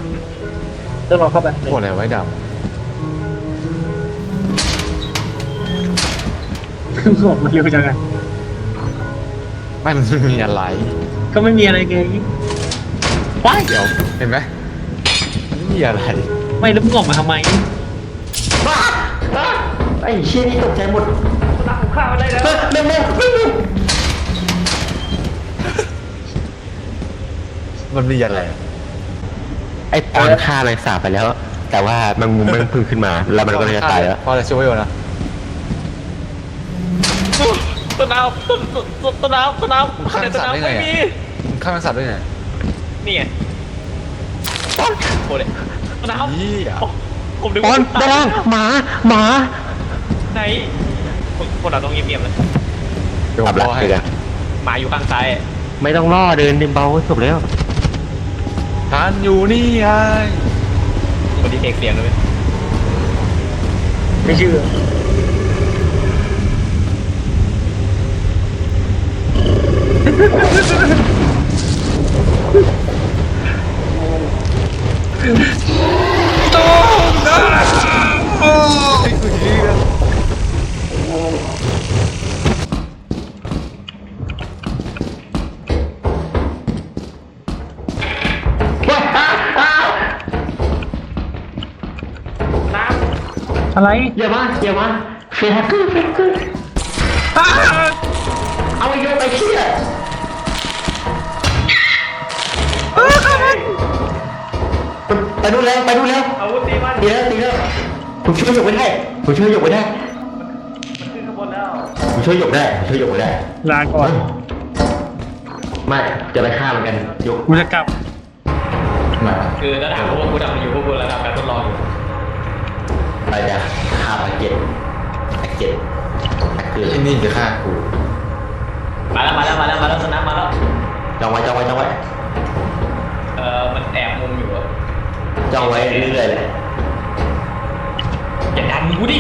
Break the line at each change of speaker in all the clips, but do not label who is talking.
ต้องลองเข้าไป
พวกอะไรไว้ด
บอกมันเร็วจังอะ
ำไม่มันมีอะไร
ก็ไม่มีอะไรไงว้าย
เดี๋ยวเห็นไหมไม่มีอะไร
ไม่แล้วมึงออกมาทำไม
บ้าไอ้เชี่ยนี่ตกใจหมด
ตักข้าวได้แล้ว
เร็วเร็วเร็วเร็ว
มันมีอะไร
ไอ้ปอนฆ่าแมงสาบไปแล้ว แต่ว่ามันมุมมันพึ่งขึ้นมา แล้วมันก็เลยจะตายแล้ว
พอจะช่วยอยู่นะ
ต้นน้ำต้นน้ำ
มึงฆ่าแมงสัตว์ได้ไงมึงฆ่าแมงสัตว์ได้ไง
นี่ไงโอ้ยต้นน้
ยี่
ำผมดึง
ปอนด้านล่างหมาหมา
ไหนคนเราต้องเงียบๆนะ
เดี๋ยวผมรอให้
หมาอยู่ข้างซ้าย
ไม่ต้องล่อเดินเบาจบแล้ว
ทานอยู่นี่ไง
คนที่เทคเสียงเลยไม่เชื่ออะไร
อย่ามาอย่ามาเฟรฮักเกอร์เฟรฮักเกอร์เอาไปโยนไปเชี่ยไปดูแล้วไปดูแล้ว
อาวุธตีมัน
ตีแล้วตีแล้วผมช่วยหยกไว้ได้ผมช่วยหยกไว้ได้
มันขึ้นข้างบนแล้ว
ผมช่วยหยกได้ผมช่วยหยกไว้ได้
ลาก่อน
ไม่จะไปฆ่ามันกันหยก
กูจะกลับ
มา
คือถ้าถามว่ากูทำอยู่พวกกูระดับการทดลองอยู่
ไปจะฆ่าอาเกตอาเกตอาเกต
ที่นี่จะฆ่ากู
มาแล้วสนามมาแล้ว
จ้องไว้จ้องไว้จ้องไว้
มันแอบมุมอยู่อะ
จ้องไว้เรื่อยๆเลย
อย่าดันกูดิ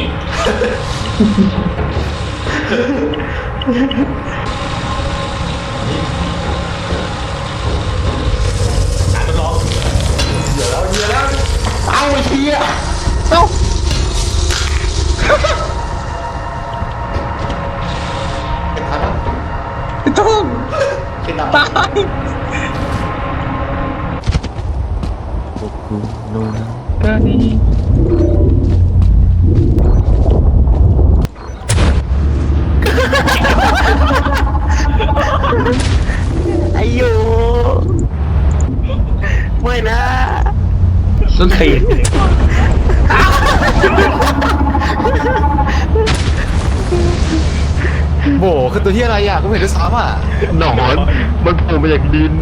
การทดลอง
เอาไอ้เชี่ย
เป็นทันแล้ว
ต้อง
ขึ้นตาม
ตาย
กูนู่น
ก็นี่
ไอ้โยไม่นะ
ต้นตีน
โบคือตัวที่อะไรอ่ะกูไม่เห็นด้วยซ้ำอ่ะ
หนอนมันโผล่มาจากดิน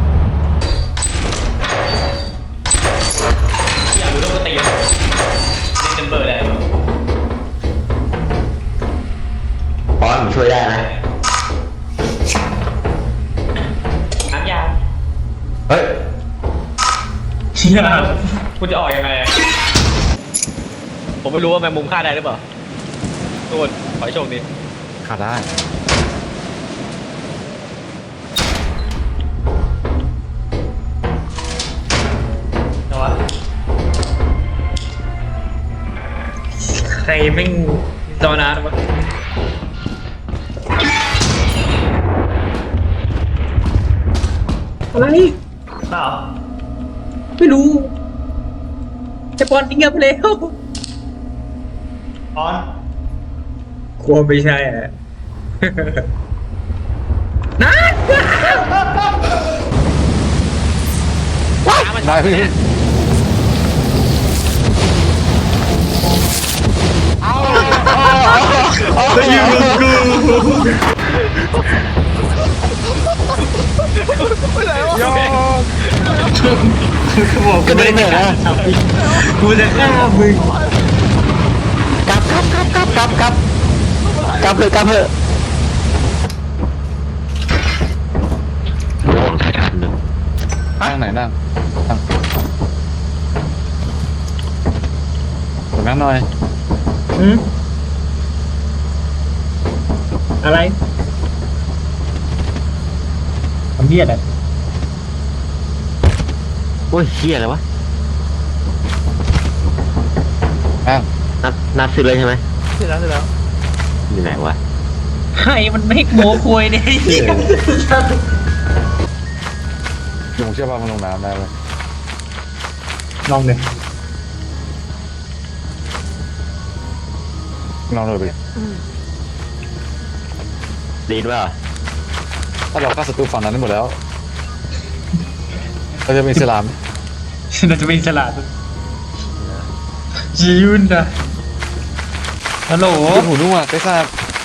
อยากรู้ต้องตีนเล่นเบอร์ได้
ปอนผมช่วยได้นะ
น้ำยา
เฮ้ย
เชี่ยคุณจะออกยังไงผมไม่รู้ว่าแมงมุมฆ่าได้หรือเปล่าทุกคนขอให้โชคดี
ฆ่าได้
นะวะใครแม่งจอนาร์ดวะอะไรเปล่าไม่รู้ไอ้บอลทิ้งเงียบไปแล้วบอลกลัวไม่ใช่อะนัด
ได้พี่
บอกกูไม่ได้นะกูจะฆ่ามึง
กลับเลยกลับเถอะโอ้ถ่ายทันเลย
นั่งไหนนั่งนั่งหน่อย
อืมอะไรทำเบียดอ่ะ
โอ้ยเชี่ยอะไรวะ
อ้าว
นัดซื้อเลยใช่ไหม
เสร็จแล้วเสร็จแล้ว
อยู่ไหนวะ
ให้มันไม่โม้คุยเนี่ย
ลุงเชื่อป่ะมันลงน้ำได้เลย
ลองเลย
ลองเลยไป
ดีนว่า
ถ้าเราฆ่าศัตรูฝั่งนั้นได้หมดแล้วเราจะเป็นอิสลาม
เราจะเป็นอิสระจียุนนะฮัลโหล
เป็นหูนุ่มอ่ะไปฆ่า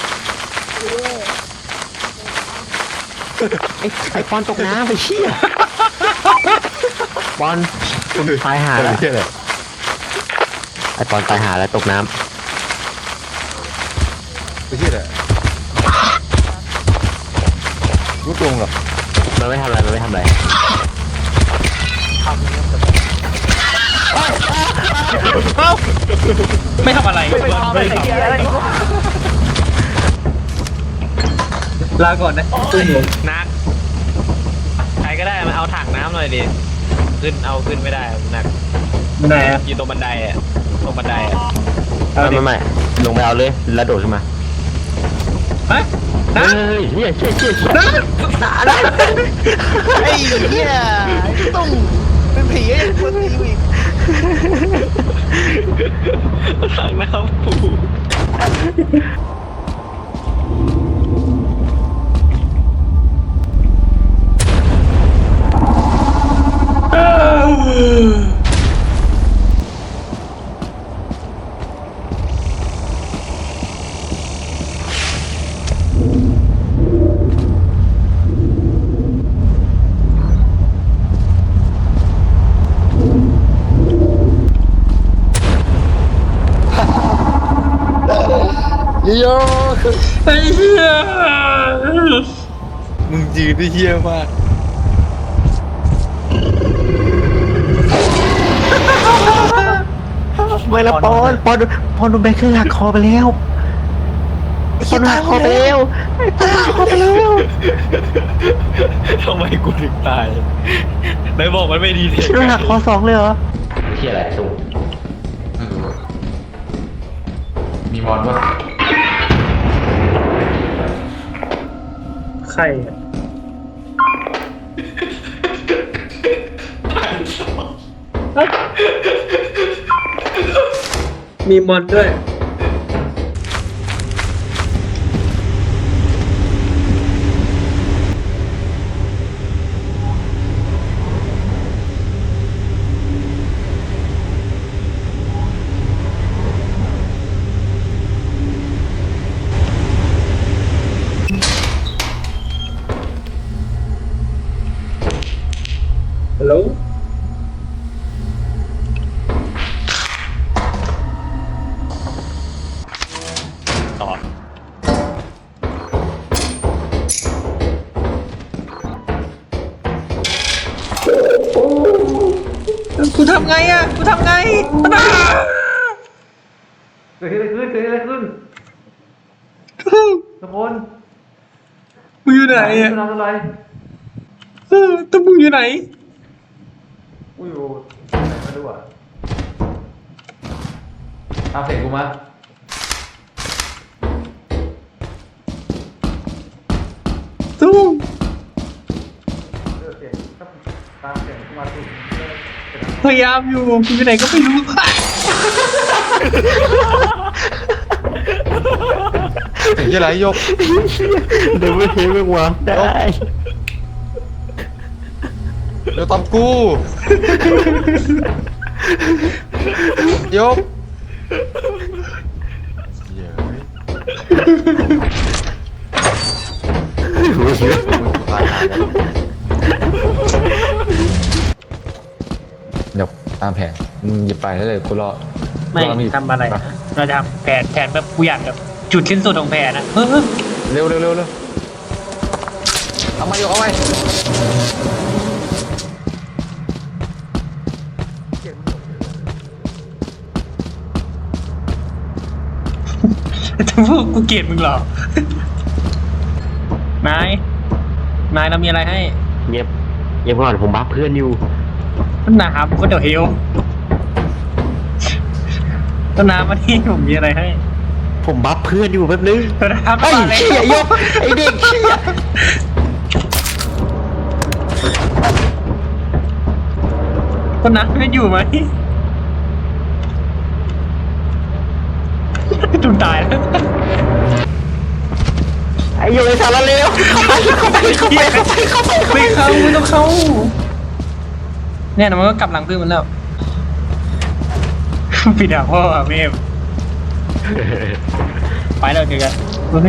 ไอ้ปอนตกน้ำไปเชี่ยปอนคุณตายหาแล้ว
เชื่อเลย
ไอ้ปอนตายหาแล้วตกน้
ไปเชื่อเลยรู้ตรงหรอ
ำมันไม่ทำอะไรมันไม่ทำอะไร
ไม่ทำอะไรลาก่อนนะตุ้ม
นักใครก็ได้มาเอาถังน้ำหน่อยดิขึ้นไม่ได้หนัก
ไหนอะ
อยู่ตรงบันไดอ่ะตรงบันไดอ่ะ
ไม่ลงไปเอาเลยแล้วโดดขึ้นมา
ฮะ
เฮ้
นะ
ยเชี่ย
ไอ้เหี้ยต้องเป็นผีไอ้คนตีอีกถังน้ำปู
โย
ไอ้เหี้ย
มึงยืนได้เฮี้ยมาก
ไม่ละปอนโดนแบคเคอร์หักคอไปแล้วปอนหักคอไปแล้วคอไปแล้ว
ทำไมกูถึงตายไหนบอกมันไม่ดีเลย
โดนหักคอ2เลยเหรอเชี่ยอะไรตุ้ม
มีมอนป่ะ
ใครอะมีมอนด้วย ฮัลโหล
ต่อ
กูทำไงอ่ะกูทำไงอ้า
เกิดอะไรขึ้นสมน
มึงอยู่ไหนอ่ะ
ทำอะไร
ตัวมึงอยู่ไหน
กูอยู่ไหนมาดูอ่ะตามเสียงกูมา
ตุ้ม
ตามเสียงกูมาสิ
พยายามอยู่กูอยู่ไหนก็ไม่รู้
ไอ้เหี้ยไรยก
เดี๋ยวไม่เห็นมึงวางได้
เดี๋ยวตามกูยกเหี้ยมึงตายหาแล้วเดี๋ยวตามแผนมึงหยิบไปได้เลยกูรอ
ไม่ทำอะไรนะเราจะทำแผนแบบกูอยากแบบจุดสิ้นสุดของแผนนะ
เร็วเอามาโยกเอาไว้
จะพูดกูเกลียดมึงเหรอ นายเรามีอะไรให้
เงียบก่อนผมบัฟเพื่อนอยู่
นะครับก็เดี๋ยวเฮลต้นน้ำมาที่ผมมีอะไรให้
ผมบัฟเพื่อนอยู่แป๊บนึง
ต้นน้ำ
ไอ้
มาเลย
เชี่ยยกไอ้เด็กเชี่ย
ต้นน้ำไม่อยู่ไหมจุดตายแล้ว
ไอ้โยไอ้สารเลวเข้าไปไม่เข้า
ไม่ต้องเข้าเนี่ยมันก็กลับหลังเพื่อนมันแล้วปิดหาพ่อแม่ไปแล้วเจอกัน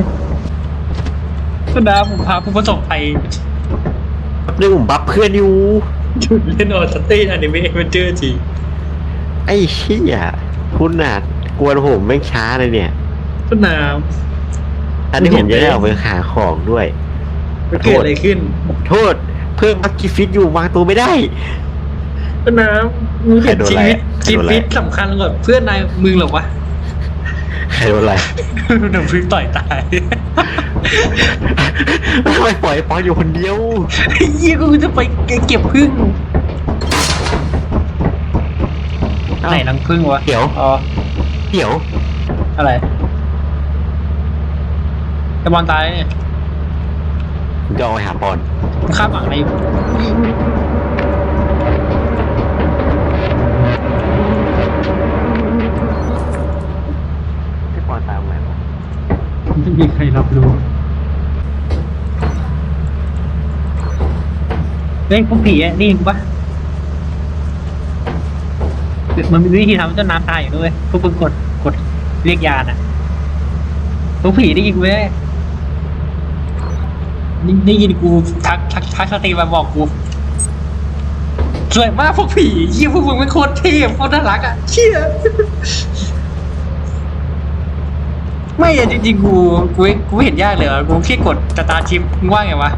ต้นน้ำผมพาผู้ประสบภัย
นึกผมบัฟเพื่อนอยู่
จุดเล่นออสเตอนิเมะมันเจอจริง
ไอ้เชี่ยคุณน่ะกวนผมแม่งช้าเลยเนี่ย
ต้นน้
อันนี้ผมจะได้ออกไปหาของด้วย
ำมันเกิดอะไรขึ้น
โทษเพิ่มบัคกิฟิตอยู่วางตัวไม่ได้
ต้นน้ำมึงเห็นชีวิตสำคัญกว่าเพื่อนนายมึงหรอวะ
ใครโดนอะไร
โดนพึ่งต่อยตาย
ทำไมปล่อยปอนอยู่คนเดียว
ไอ้ยี่กูจะไปเก็บพึ่งไหนรังพึ่งวะ
เดี๋ยว
อ๋อ
เดี๋ยว
อะไรไอ้บอลตายเนี่ย
ผมจะเอาไปหาปอน
มึงคาดหวังอะไรอยู่
ให้ปอนตามไหม
ไม่มีใครรับรู้เฮ้ยพวกผีอ่ะนี่กูปะมันมีวิธีทำให้ต้นน้ำตายอยู่ด้วยพวกมึงกดเรียกยาน่ะพวกผีได้ยินกูไหมได้ยินกูทักสตรีมาบอกกูสวยมากพวกผีเยี่ยพวกมึงเป็นโคตรเท่โคตรน่ารักอ่ะเชี่ยไม่อะจริงๆกูเห็นยากเลยกูแค่กดตาชิปมึงว่าไงวะ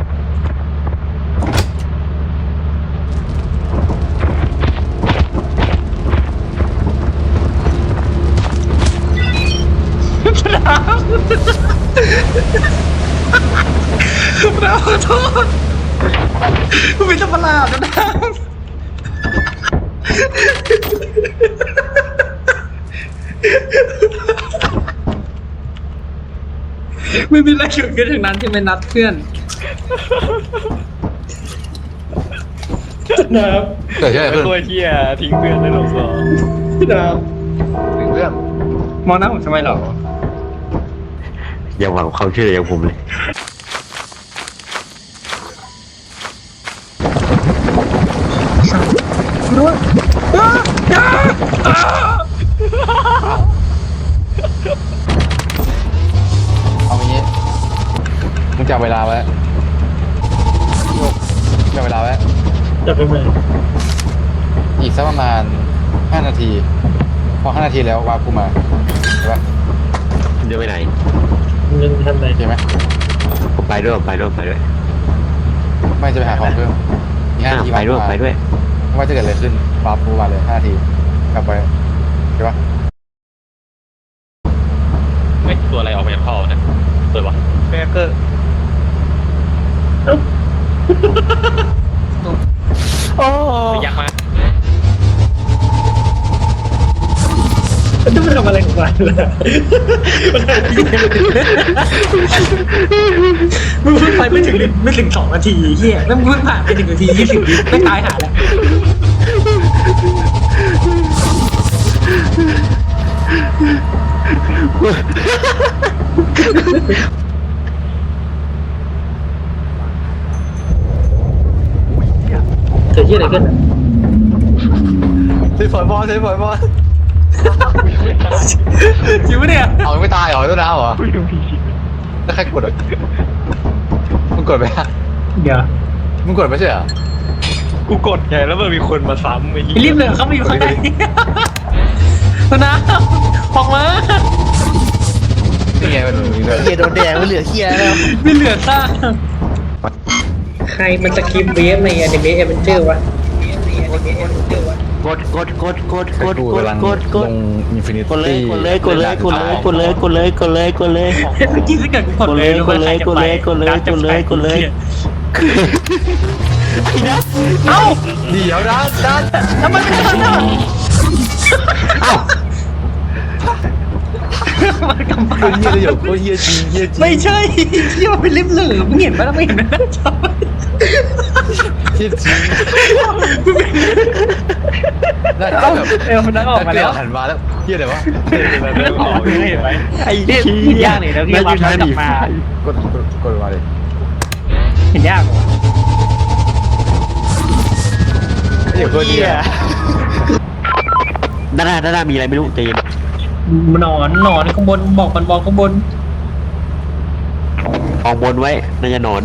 เราขอโทษกูเป็นสัตว์ประหลาดนะไม่มีอะไรเกิดขึ้นทั้งนั้นที่ไม่นัดเพื่อนน้
เกิดอะไรขึ้น
ตัวเที่ยทิ้งเพื่อนในหลงสอง
ำน้
เรื่อง
ำมองหน้าผมทำไมหรอ
อย่าหวังความช่วยเหลือจากผมเลย
ด้วย
เอางี้มึงจับเวลาไว้โยกจับเวลาไว้
จะไปไหน
อีกสักประมาณ5 นาที พอ5 นาทีแล้ววาร์ปกูมาใช่ปะ
เดี๋ยวไปไหน
มึงทำไหน
โอเคไหม
ผมไปด้วย
ไม่จะไปหาของเพิ่มอีก5 นาที
ไปด้วย
ไม่ว่าจะเกิดอะไรขึ้นวาร์ปกูมาเลย5 นาทีกลับไปใช่ปะ
ไม่ตัวอะไรออกมาจากท่อนะเปิดวะแบเกอร์
โอ้
ยักษ์มา
จะไปทำอะไรของมันล่ะมึงเพิ่งไปไม่ถึง2 นาทีเฮียแล้วมึงเพิ่งผ่านไป1 นาที 20 วิไม่ตายหาแล้วเกิดที่อะไรขึ้น
เซฟบอล
จริงปะเนี่ย
เอาไม่ตายเหรอต้นน้ำเหรอแล้วใครกดอ่ะมึงกดไปอ่ะ
เดี๋ยว
มึงกดไม่ใช่เหรอ
กูกดไงแล้วมันมีคนมาซ้ำไอ้
รีบเลยเขามาอยู่ข้างในนะออกมา
นี่ไงมันมีด้วย
เฮียโดนแดงไม่เหลือเฮียแล้ว
ไม่เหลือซากใครมันสกิปเวฟในอนิเมะเอเวนเจอร์วะ
กด
กูกำลังลงอินฟินิ
กดเลย
ตี้
กดเลย
เมื่อกี้ถ้าเกิดกูกดเลยรู้ไหมใครจะไปเอ้า
เดี๋ยวนะ
ทำไมไม่ทำอ่ะ
เอ้า
มันกำ
โค
ปั้น
ตรเฮียเลยโคตรเฮียจริงเฮียจริง
ไม่ใช่ที่มันเป็นลิฟต์เหลืองมึงเห็นไหมล่ะไม่เห็นไหมนะจอ
เฮียจริงน่าจะแบบ
มันนั่งออกมาแล้ว
หันมาแล้วเฮียอะไรวะ
แบบเรื่องออก
เห็นไหม
ไอ้
ที่
ชี้
ยากเลยแล้วที่วางกลับมาก
ดมาเลย
เห็นยากเหรอ
เฮียโคตรเฮีย
ด้านหน้ามีอะไรไม่รู้ใจเย็น
หนอนข้างบนบอกมันบอกข้างบน
ออกบนไว้น่าจะนอน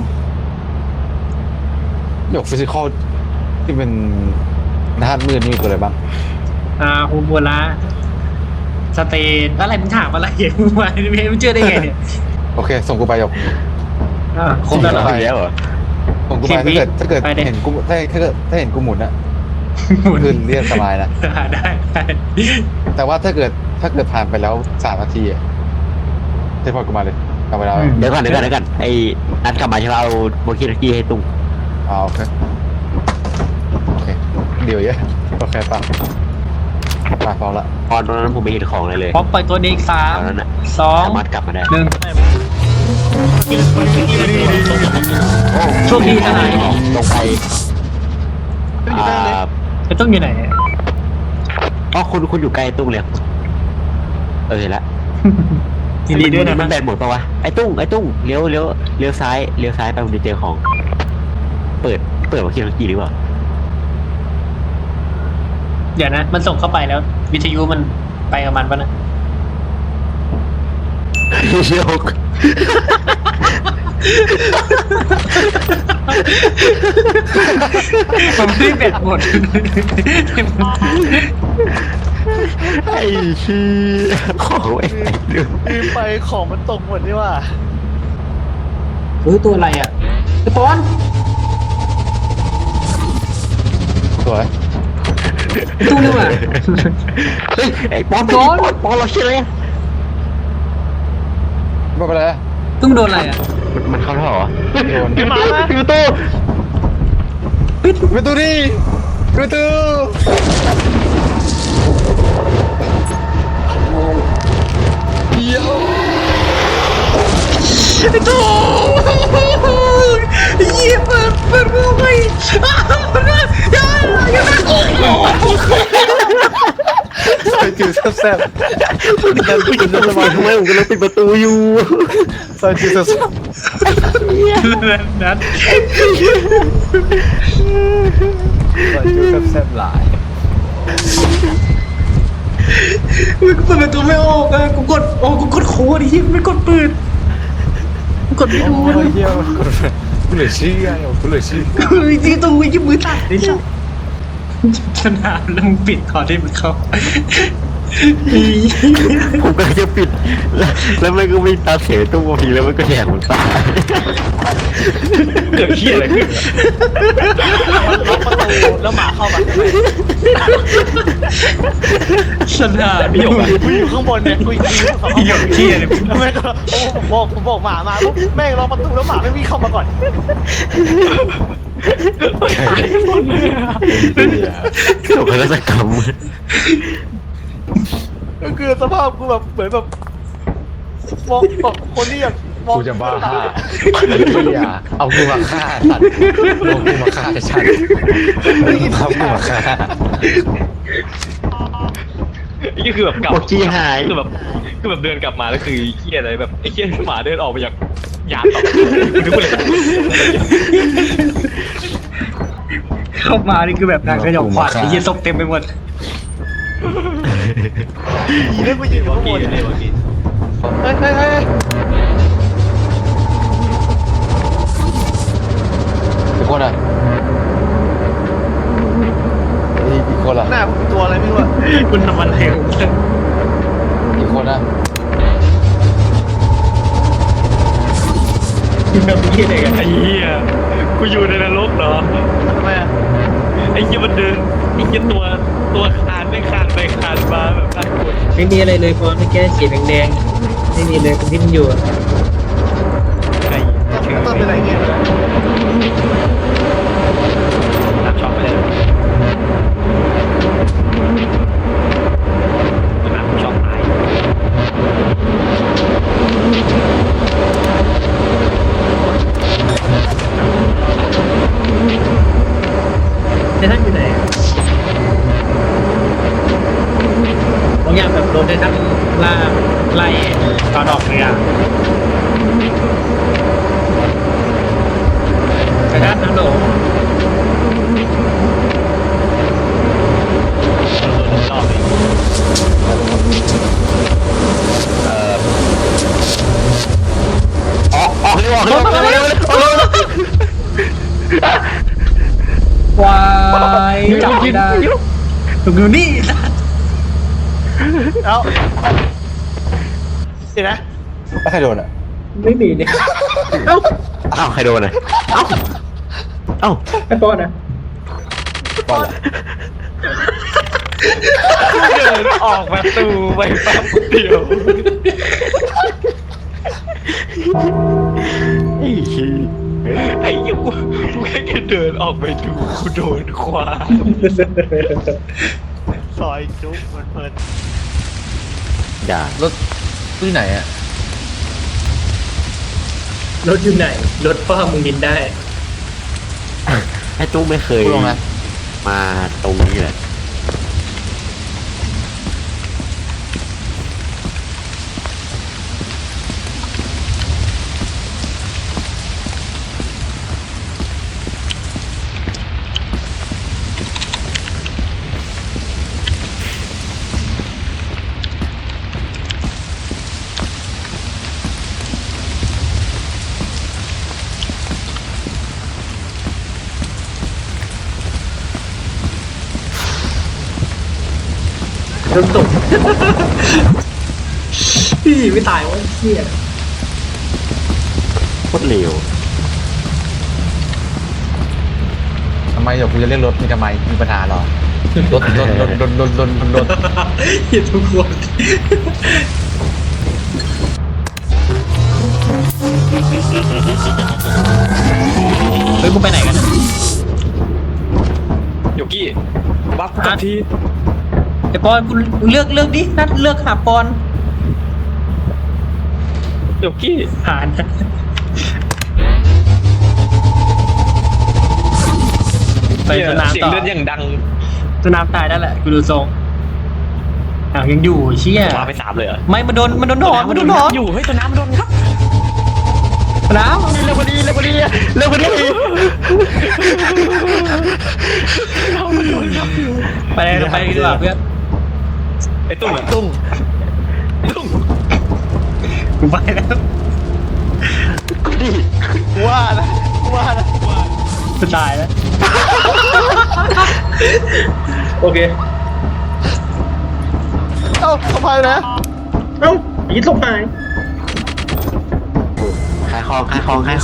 เดี๋ยวฟิสิกอลที่เป็นด้านมืดนี่มีตัวอะไรบ้าง
ฮูบัวละสเตนอะไรมึงถามอะไรอย่างมึงมาไม่เชื่อได้ไงเนี่ย
โอเคส่งกูไปหยก
ครบแล้วเหรอ
ไปแล้วเหรอ
ส่งกูไปถ้าเกิด
ไปดิ
เห็นกูถ้าเห็นกูหมุนอะคือเรียกสบายนะ
ได้
แต่ว่าถ้าเกิดผ่านไปแล้ว3 นาทีอะเทพพอร์ตกูมาเลยกลับไปแล้ว
เดี๋ยวก่อนไอ้นัดกลับมาใช่ป่ะเอาโมคิทกี้ให้ตุ้ง
โอเคเดี๋ยวเยอะโอเคป่ะมาพอละ
ตอนนั้นผมไม่เห็นของอะไรเลย
พร้อมปล่อยตัวเด็ก
ตอนนั้นอะ
3 2
สามารถกลับมาได้
1โชคดีทนาย
ลงไปอ่า
จะต้องอยู่ไหน
อ๋อคุณอยู่ใกล้ตุ้งเลยเห็นละ
ยินดีด้วยนะ
มันแบตหมดปะวะไอ้ตุ้งเลี้ยวซ้ายไปมันจะเจอของ เปิดโมคิทกี้หรือเปล่า
เดี๋ยวนะมันส่งเข้าไปแล้ว วิทยุมันไปกับมันปะนะ
เชี่ยว
ผมรีบแบตหมด
ไอ้ชี้ของไอ้เรื่อง
ลืมไปของมันตกหมดนี่ว่า
เฮ้ยตัวอะไรอ่ะไอ้ปอน
สวย
ตู้นึงอ่ะ
เฮ้ยไอ้ปอนเราเชื่อเลย
ไม่เป็นไร
ตู้โดนอะไรอ่ะ
มันเข้าท่อเหรอ
โดน
ปิดประตู
ประตูดิประตูเดี๋ยว
ไอ้ตู้เยี่ยเปิดมือไปอย่าโอ้โห
ใส่จืดแซ่บ
มันปิดประตูทำไมผมกำลังปิดประตูอยู่
ใส่จืดแซ่บ
นัด
ใส่จืดแซ่บหลาย
มึงเปิดประตูไม่ออกอ่ะกูกดโค้ดที่ไม่กดเปิดกดไม่ดู
โอ้ยเยี่ยมกูเหลือเชื่อกูเหลือเชื่อ
คือจริงๆตรงมือยืมมือตัดนี่จ้ะสนามแล้วมึงปิดก่อนที่มันเข้า
ผมก็จะปิดแล้วมันก็ไม่ตาเสียตู้ทีแล้วมันก็แหกมันตาย
เกิดเหี้ยอะไรขึ้นล็อกประตูแล้วหมาเข้ามา
สนาม
พี่หยกอะกูอยู่ข้างบนเนี่ยกูอยู่ข้างบน
หยกเที่ยเลย
แม่งก็ผมบอกหมามาปุ๊บแม่งล็อกประตูแล้วหมาไม่วิ่งเข้ามาก่อน
โศกนาฏกรรม
ก็คือสภาพกูแบบเหมือนแบบมองแบบคนที่แบบมอง
กูจะบ้าเอากูมาฆ่าสัตว์เอากูมาฆ่าฉันเอากูมาฆ่า
นี่คือแบบกลับ
โอจีหาย
คือแบบเดินกลับมาแล้วคือเหี้ยอะไรแบบไอ้เหี้ยหมาเดินออกมาจากยานต่อกูนึกว่าเลย
เข้ามานี่คือแบบนางกระหยอกขวัญไอ้เหี้ยศพเต็มไปหมด
ผีเล่นกูยืนอยู่ข้างบนเลยเมื่อกี้เฮ้ย
อีกคนอ่ะอีกคนอ่ะ
หน้ากูเป็นตัวอะไรไม่รู้อะ
คุณทำอะไรของคุณ
อีกคนอ่ะ
แบบนี้เลยกัน
ไอ้เหี้ยกูอยู่ในนรกเหรอทำไมอะไอ้เหี้ยมันเดินไอ้เหี้ยตัวคานไม่คานไปคานมาแบบน่ากลัว
ไม่มีอะไรเลยพอไม่แก้สีแดงๆไม่มีเลยตรงที่มันอยู่อะ
ต้นเป็นอะไรเงี้ยนักช็อปไปเลยนักช็อปตาย
นไททันไล่ตอนออกเรือไททันฮัลโหล
รอบนี้
ออกเร็วออกเร็วออกเร็วออกเร็ว
วายจับไม่ได้ถูกอยู่นี่
เอ้าเดี๋ยวนะ
แล้วใครโดนอ่ะ
ไม่มีเนี่ยเอ้า
อ้าวใครโดนอ่ะเอ้าเอ้า
ไอ้ปอนอ่ะ
บอลเหรอ
เดินออกประตูไปแป๊บเดียว
ไอ้เหี้ย
ไอ้ยูกูแค่เดินออกไปดูกูโดนคว้าซอยจุ๊บเพลิน
อย่าร
ถที่ไหนอ่ะ
รถอยู่ไหนรถพ่อมึงบินได้
ไอ้ตู้ไม่เคย
พูดลงนะ
มาตรงนี้เลย
รถตก พี่ไม่ตายวะเชี่ย
โคตรเร็ว
ทำไมเดี๋ยวกูจะเรียกรถมีทำไมมีปัญหาเหรอรถ
เหี้ยทุกคนเฮ้ยมึงไปไหนกัน
โยกี้บัฟกูที
ไอ้ปอนกูเลือกดินัดเลือกหาปอน
โยกี้
ผ่านไปสนาม
เสียง
ต่อ
เลือดอย่างดัง
สนามตายได้แหละกูดูทรงอ้าวยังอยู่เชี่ย
มาไปสามเลยเหรอ
ไม่มันโดนถอน
อยู่เฮ้ยตัวน้ำโดนครับ
น้ำ
เร็วกว่านี้เร็วกว่านี้เร็วกว่านี้
ไปเลยไปดีกว่าเพื่อน
ไอ้ตุ้งอะตุ้ง
กูไปแล้ว
ว่านะ
จะตายแล้วโอเค
เอ้าทำไมนะ
เอ้าอีทลงหาย
ขายของ
ขาย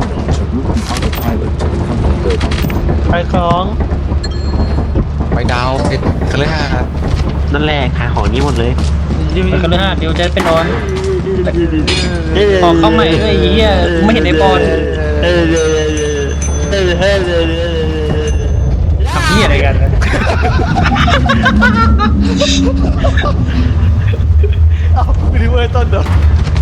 ของ
ไปดาวเพชรคฤหาสน์
นั่นแหละขายของนี้หมดเลย
ไปกันเลยฮะเดี๋ยวจะไปนอนขอเข้าใหม่ด้วยไอ้เหี้ยไม่เห็นไอ้บอลทำเหี้ยอะไรกันนะ
ไม่ได้เว้ยต้นเด้อ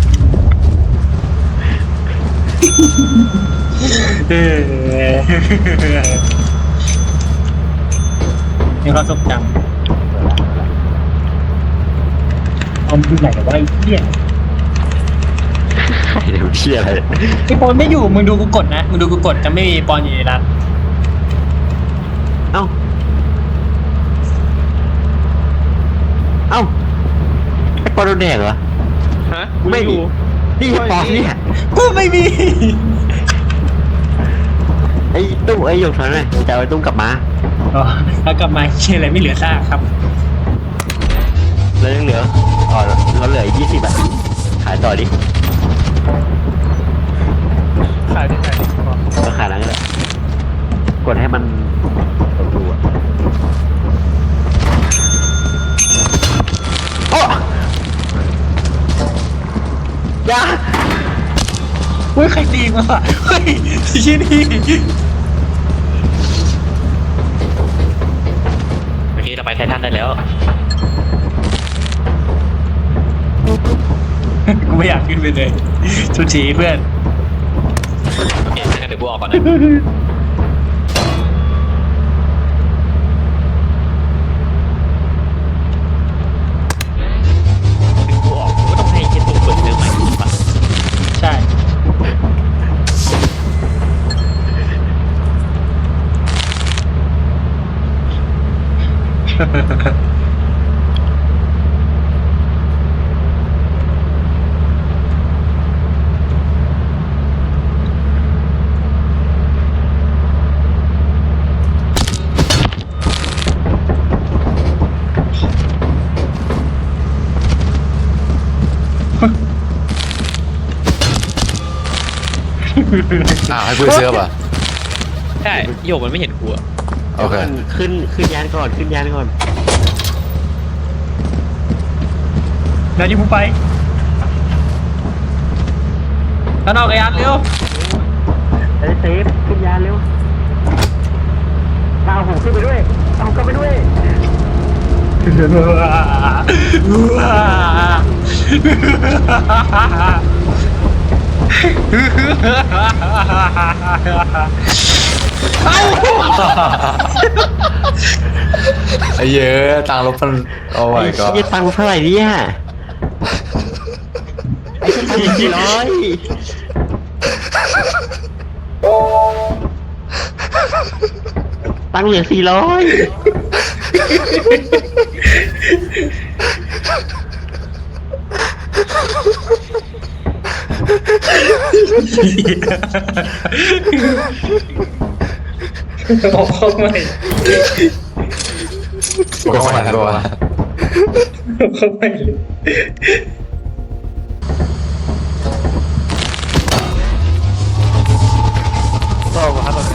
มีความทรงจำเอาดูไหนแต่ว่าไอ้เหี้ย
เดี๋ยวเชี่ยอะไร
ไอ้ปอนไม่อยู่มึงดูกูกดนะมึงดูกูกดจะไม่มีปอนอยู่ในนั้น
เอ้าไอ้ปอโดนแดกเหรอ
ฮะ
ไม่มีนี่ปอนเนี่ย
กูไม่มี
ไอ้ตู้ไอ้หยกถอนหน่อยจะเอาไอ้ตุ้มกลับมา
อ๋อแล้วกลับมาเชี่ยอะไรไม่เหลือซากครับ
แล้วยังเหลือเราเหลืออีก20 บาทขายต่อดิ
ขายที่ไหน
ก็ขายแล้วก็ได้กดให้มันดูอ่ะโอ้ยา
เฮ้ยใครตีมาว่ะเฮ้ยชี้นี่
เมื่อกี้เราไปไททันได้แล้ว
กูไม่อยากขึ้นไปเลยทุกทีเพื่อน
โอเคงั้นเดี๋ยวกูออกก่อนนะ
ให้กูเสื้อป่ะ
ใช่โยกมันไม่เห็นกูอะ
โอเค
ขึ้นยานก่อนขึ้นยานก่อน
เดี๋ยวยิงผมไปข้างนอกไอ้ยันเร็ว
เซฟขึ้นยานเร็วเอาผมขึ้นไปด้วยเอาก็ไปด้วย
ไอ้เหี้ยอะตังค์รถมันโอ้ยก็
ไอ้ตังค์เท่าไหร่เนี่ยไอ้ตังค์400ตังค์เหลือ400
ออกเข้าใหม่
ก็ไม่ทันก็ว่า
เข้าใหม่เลย
ก็มาครับแบบนี้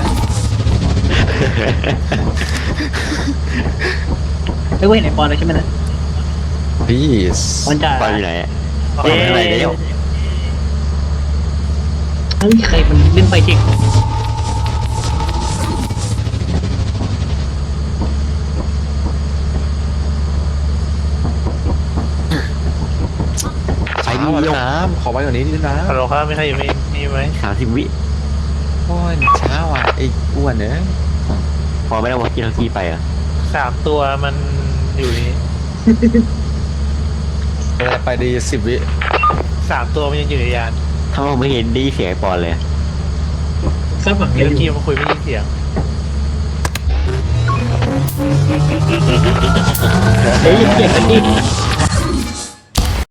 ไม่กูเห็นไอ้ปอนแล้วใช่ไหมนะ
พี่
ปอนจ่า
ไปอยู่ไหนอะ
เอ๊ะ
อะไรเนี่ย
เฮ้ยใครมันเล่นไฟเทค
ไปดิน้ำขอไปกว่านี้ดิน้
ฮัลโหลครับไม่ใครอยู่มีไหม
30 วิ
ำโอ้ยช้าว่ะไอ้อ้วนเนี่ย
พอไม่ได้วอกี้ทั้งที่ไปอ่ะ
3 ตัวมันอยู่นี่
เวลาไปดี10 วิ
3 ตัวมันยังอยู่ในยาน
ถ้าเราไม่เห็นได้ยินเสียงไอ้ปอนเลย
คาดหวัง
เดี๋
เย
ยว
อะอ
กี้
ยู่
มาคุยไม่ยินเสียง
เฮ้ยเก็บกันดิ